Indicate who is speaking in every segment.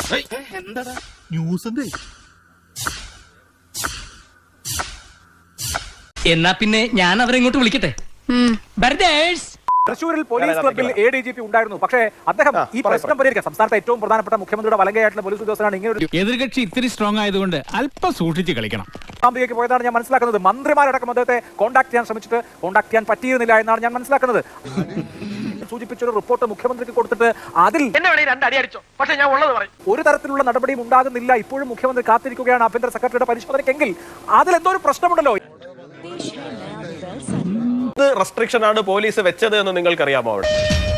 Speaker 1: എന്നാ പിന്നെ ഞാൻ അവരെ ഇങ്ങോട്ട് വിളിക്കട്ടെ.
Speaker 2: തൃശ്ശൂരിൽ പോലീസ് ക്ലബിൽ ADGP ഉണ്ടായിരുന്നു. പക്ഷേ അദ്ദേഹം ഈ പ്രശ്നം പരിഹരിക്കാൻ സംസ്ഥാനത്തെ ഏറ്റവും പ്രധാനപ്പെട്ട മുഖ്യമന്ത്രിയുടെ വലങ്കയായിട്ടുള്ള പോലീസ് ഉദ്യോഗസ്ഥനാണ്. ഇങ്ങനെ ഒരു
Speaker 3: എതിർകക്ഷി ഇത്തിരി സ്ട്രോങ് ആയതുകൊണ്ട് അല്പം സൂക്ഷിച്ച് കളിക്കണം.
Speaker 2: അമേരിക്കയ്ക്ക് പോയതാണ് ഞാൻ മനസ്സിലാക്കുന്നത്. മന്ത്രിമാരടക്കം അദ്ദേഹത്തെ കോൺടാക്ട് ചെയ്യാൻ ശ്രമിച്ചിട്ട് കോൺടാക്ട് ചെയ്യാൻ പറ്റിയിരുന്നില്ല എന്നാണ് ഞാൻ മനസ്സിലാക്കുന്നത്. സൂചിപ്പിച്ചൊരു റിപ്പോർട്ട് മുഖ്യമന്ത്രിക്ക് കൊടുത്തിട്ട് അതിൽ ഒരു തരത്തിലുള്ള നടപടിയും ഉണ്ടാകുന്നില്ല. ഇപ്പോഴും മുഖ്യമന്ത്രി കാത്തിരിക്കുകയാണ് ആഭ്യന്തര സെക്രട്ടറിയുടെ പരിശോധനയ്ക്കെങ്കിൽ അതിലെന്തോ ഒരു പ്രശ്നമുണ്ടല്ലോ.
Speaker 4: റെസ്ട്രിക്ഷൻ ആണ് പോലീസ് വെച്ചത് എന്ന് നിങ്ങൾക്കറിയാമോ? അവിടെ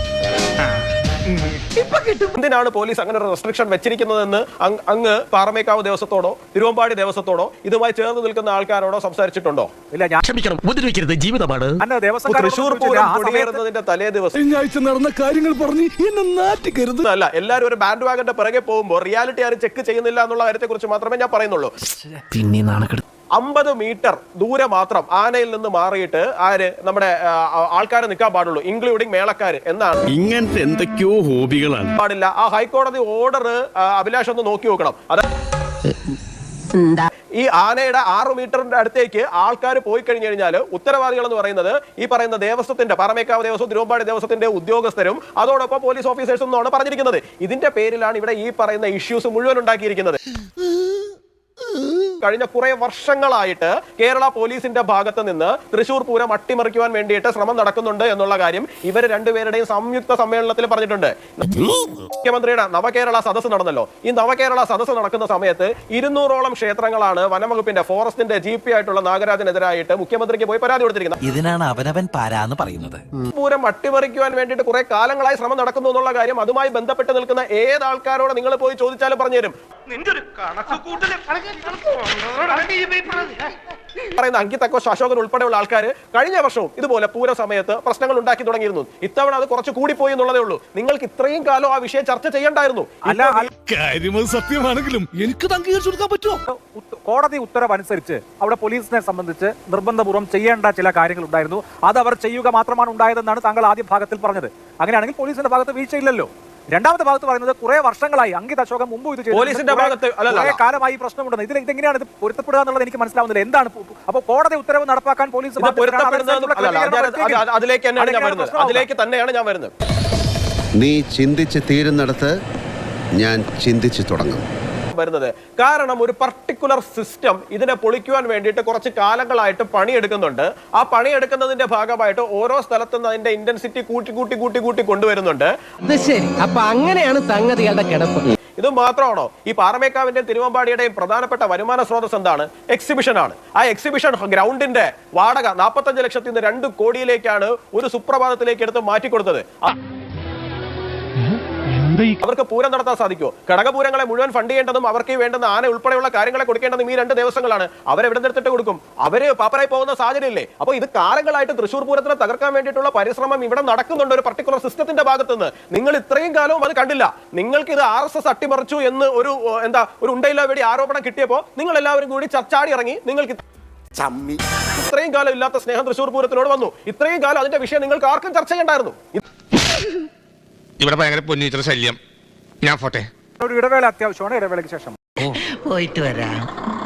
Speaker 4: എന്തിനാണ് പോലീസ് അങ്ങനെ ഒരു റെസ്ട്രിക്ഷൻ വെച്ചിരിക്കുന്നതെന്ന് അങ്ങ് പാറമേക്കാവ് ദേവസ്വത്തോടോ തിരുവമ്പാടി ദേവസ്വത്തോടോ ഇതുമായി ചേർന്ന് നിൽക്കുന്ന ആൾക്കാരോടോ സംസാരിച്ചിട്ടുണ്ടോ? ഇല്ല, ഞാൻ
Speaker 5: ഉപദ്രവിക്കരുത്, ജീവിതമാണ്.
Speaker 4: തൃശ്ശൂർ പൂരം കൊടിയേറുന്നതിന്റെ തലേ ദിവസം
Speaker 3: നടന്ന കാര്യങ്ങൾ പറഞ്ഞ് എന്നെ നാറ്റിക്കരുത്.
Speaker 4: അല്ല, എല്ലാവരും ഒരു ബാൻഡ് വാഗന്റെ പിറകെ പോകുമ്പോൾ റിയാലിറ്റി ആരും ചെക്ക് ചെയ്യുന്നില്ല എന്നുള്ള കാര്യത്തെ കുറിച്ച് മാത്രമേ ഞാൻ പറയുന്നുള്ളൂ.
Speaker 5: പിന്നെ നാണക്കെടുത്ത്
Speaker 4: 50 മീറ്റർ ദൂരെ മാത്രം ആനയിൽ നിന്ന് മാറിയിട്ട് നമ്മുടെ ആൾക്കാരെ നിൽക്കാൻ പാടുള്ളൂ, ഇൻക്ലൂഡിംഗ് മേളക്കാര് എന്നാണ്.
Speaker 5: ഇങ്ങനത്തെ എന്തൊക്കെയോ ഹോബികളാണ്.
Speaker 4: പാടില്ല. ആ ഹൈക്കോടതി ഓർഡർ അഭിലാഷ് ഒന്ന് നോക്കി നോക്കണം. അത് ഈ ആനയുടെ 6 മീറ്ററിന്റെ അടുത്തേക്ക് ആൾക്കാർ പോയി കഴിഞ്ഞു കഴിഞ്ഞാൽ ഉത്തരവാദികൾ എന്ന് പറയുന്നത് ഈ പറയുന്ന ദേവസ്വത്തിന്റെ പാറമേക്കാവ് ദേവസ്വം തിരുവമ്പാടി ദേവസ്വത്തിന്റെ ഉദ്യോഗസ്ഥരും അതോടൊപ്പം പോലീസ് ഓഫീസേഴ്സും എന്നാണ് പറഞ്ഞിരിക്കുന്നത്. ഇതിന്റെ പേരിലാണ് ഇവിടെ ഈ പറയുന്ന ഇഷ്യൂസ് മുഴുവൻ ഉണ്ടാക്കിയിരിക്കുന്നത്. കഴിഞ്ഞ കുറെ വർഷങ്ങളായിട്ട് കേരള പോലീസിന്റെ ഭാഗത്ത് നിന്ന് തൃശ്ശൂർ പൂരം അട്ടിമറിക്കുവാൻ വേണ്ടിയിട്ട് ശ്രമം നടക്കുന്നുണ്ട് എന്നുള്ള കാര്യം ഇവർ രണ്ടുപേരുടെയും സംയുക്ത സമ്മേളനത്തിൽ പറഞ്ഞിട്ടുണ്ട്. മുഖ്യമന്ത്രിയുടെ നവകേരള സദസ്സ് നടന്നല്ലോ. ഈ നവകേരള സദസ്സ് നടക്കുന്ന സമയത്ത് 200ഓളം ക്ഷേത്രങ്ങളാണ് വനംവകുപ്പിന്റെ ഫോറസ്റ്റിന്റെ GP ആയിട്ടുള്ള നാഗരാജനെതിരായിട്ട് മുഖ്യമന്ത്രിക്ക് പോയി പരാതി കൊടുത്തിരിക്കുന്നത്.
Speaker 6: ഇതിനാണ് അവനവൻ പാരാന്ന് പറയുന്നത്.
Speaker 4: പൂരം അട്ടിമറിക്കുവാൻ വേണ്ടിയിട്ട് കുറെ കാലങ്ങളായി ശ്രമം നടക്കുന്നു എന്നുള്ള കാര്യം അതുമായി ബന്ധപ്പെട്ട് നിൽക്കുന്ന ഏത് ആൾക്കാരോട് നിങ്ങൾ പോയി ചോദിച്ചാലും പറഞ്ഞുതരും. പറയുന്ന അങ്കിത് അക്കോഷ്, അശോകൻ ഉൾപ്പെടെയുള്ള ആൾക്കാർ കഴിഞ്ഞ വർഷവും ഇതുപോലെ പൂര സമയത്ത് പ്രശ്നങ്ങൾ ഉണ്ടാക്കി തുടങ്ങിയിരുന്നു. ഇത്തവണ അത് കുറച്ച് കൂടിപ്പോയി എന്നുള്ളതേ ഉള്ളൂ. നിങ്ങൾക്ക് ഇത്രയും കാലം ആ വിഷയം ചർച്ച ചെയ്യണ്ടായിരുന്നു.
Speaker 3: സത്യമാണെങ്കിലും എനിക്ക് അംഗീകരിച്ചു കൊടുക്കാൻ പറ്റുമോ?
Speaker 2: കോടതി ഉത്തരവ് അനുസരിച്ച് അവിടെ പോലീസിനെ സംബന്ധിച്ച് നിർബന്ധപൂർവ്വം ചെയ്യേണ്ട ചില കാര്യങ്ങൾ ഉണ്ടായിരുന്നു. അത് അവർ ചെയ്യുക മാത്രമാണ് ഉണ്ടായതെന്നാണ് താങ്കൾ ആദ്യ ഭാഗത്തിൽ പറഞ്ഞത്. അങ്ങനെയാണെങ്കിൽ പോലീസിന്റെ ഭാഗത്ത് വീഴ്ചയില്ലല്ലോ. രണ്ടാമത്തെ ഭാഗത്ത് പറയുന്നത് കുറെ വർഷങ്ങളായി അങ്കിത് അശോകൻ മുമ്പ് ഇത്
Speaker 4: പോലീസിന്റെ ഭാഗത്ത്
Speaker 2: കാലമായി പ്രശ്നമുണ്ടെന്ന്. ഇതെങ്ങനെയാണ് ഇത് പൊരുത്തപ്പെടുക എന്നുള്ളത് എനിക്ക് മനസ്സിലാവുന്നില്ല. എന്താണ് അപ്പോൾ കോടതി ഉത്തരവ് നടപ്പാക്കാൻ പോലീസ്
Speaker 4: അതിലേക്ക് തന്നെയാണ് ഞാൻ വരുന്നത്.
Speaker 7: നീ ചിന്തിച്ച് തീരുന്നിടത്ത് ഞാൻ ചിന്തിച്ചു തുടങ്ങും.
Speaker 4: വരുന്നത് കാരണം ഒരു പർട്ടിക്കുലർ സിസ്റ്റം ഇതിനെ പൊളിക്കുവാൻ വേണ്ടിയിട്ട് കുറച്ച് കാലങ്ങളായിട്ട് പണിയെടുക്കുന്നുണ്ട്. ആ പണിയെടുക്കുന്നതിന്റെ ഭാഗമായിട്ട് ഓരോ സ്ഥലത്തും അതിന്റെ ഇന്റൻസിറ്റി കൂട്ടി കൊണ്ടുവരുന്നുണ്ട്.
Speaker 1: അപ്പൊ അങ്ങനെയാണ് സംഗതികളുടെ കിടപ്പ്.
Speaker 4: ഇത് മാത്രമാണോ? ഈ പാറമേക്കാവിന്റെയും തിരുവമ്പാടിയുടെയും പ്രധാനപ്പെട്ട വരുമാന സ്രോതസ് എന്താണ്? എക്സിബിഷൻ ആണ്. ആ എക്സിബിഷൻ ഗ്രൗണ്ടിന്റെ വാടക 45 ലക്ഷത്തിൽ നിന്ന് 2 കോടിയിലേക്കാണ് ഒരു സുപ്രഭാതത്തിലേക്ക് എടുത്ത് മാറ്റിക്കൊടുത്തത്. അവർക്ക് പൂരം നടത്താൻ സാധിക്കുമോ? ഘടകപൂരങ്ങളെ മുഴുവൻ ഫണ്ട് ചെയ്യേണ്ടതും അവർക്ക് വേണ്ടുന്ന ആന ഉൾപ്പെടെയുള്ള കാര്യങ്ങളെ കൊടുക്കേണ്ടതും ഈ 2 ദേവസ്വങ്ങളാണ്. അവരെവിടെ എടുത്തിട്ട് കൊടുക്കും? അവര് പാപ്പരായി പോകുന്ന സാഹചര്യമില്ലേ? അപ്പോൾ ഇത് കാലങ്ങളായിട്ട് തൃശ്ശൂർ പൂരത്തിനെ തകർക്കാൻ വേണ്ടിയിട്ടുള്ള പരിശ്രമം ഇവിടെ നടക്കുന്നുണ്ട് ഒരു പർട്ടിക്കുലർ സിസ്റ്റത്തിന്റെ ഭാഗത്തുനിന്ന്. നിങ്ങൾ ഇത്രയും കാലവും അത് കണ്ടില്ല. നിങ്ങൾക്ക് ഇത് RSS അട്ടിമറിച്ചു എന്ന് ഒരു ഉണ്ടയില്ല വേണ്ടി ആരോപണം കിട്ടിയപ്പോൾ നിങ്ങൾ എല്ലാവരും കൂടി ചർച്ചാടി ഇറങ്ങി. നിങ്ങൾക്ക് ഇത്രയും കാലം ഇല്ലാത്ത സ്നേഹം തൃശ്ശൂർ പൂരത്തിനോട് വന്നു. ഇത്രയും കാലം അതിന്റെ വിഷയം നിങ്ങൾക്ക് ആർക്കും ചർച്ച ചെയ്യണ്ടായിരുന്നു.
Speaker 3: ഇവിടെ ഭയങ്കര പൊന്നിച്ചിട്ട് ശല്യം. ഞാൻ പോട്ടെ.
Speaker 2: ഒരു ഇടവേള അത്യാവശ്യമാണ്. ഇടവേളയ്ക്ക് ശേഷം
Speaker 6: പോയിട്ട് വരാം.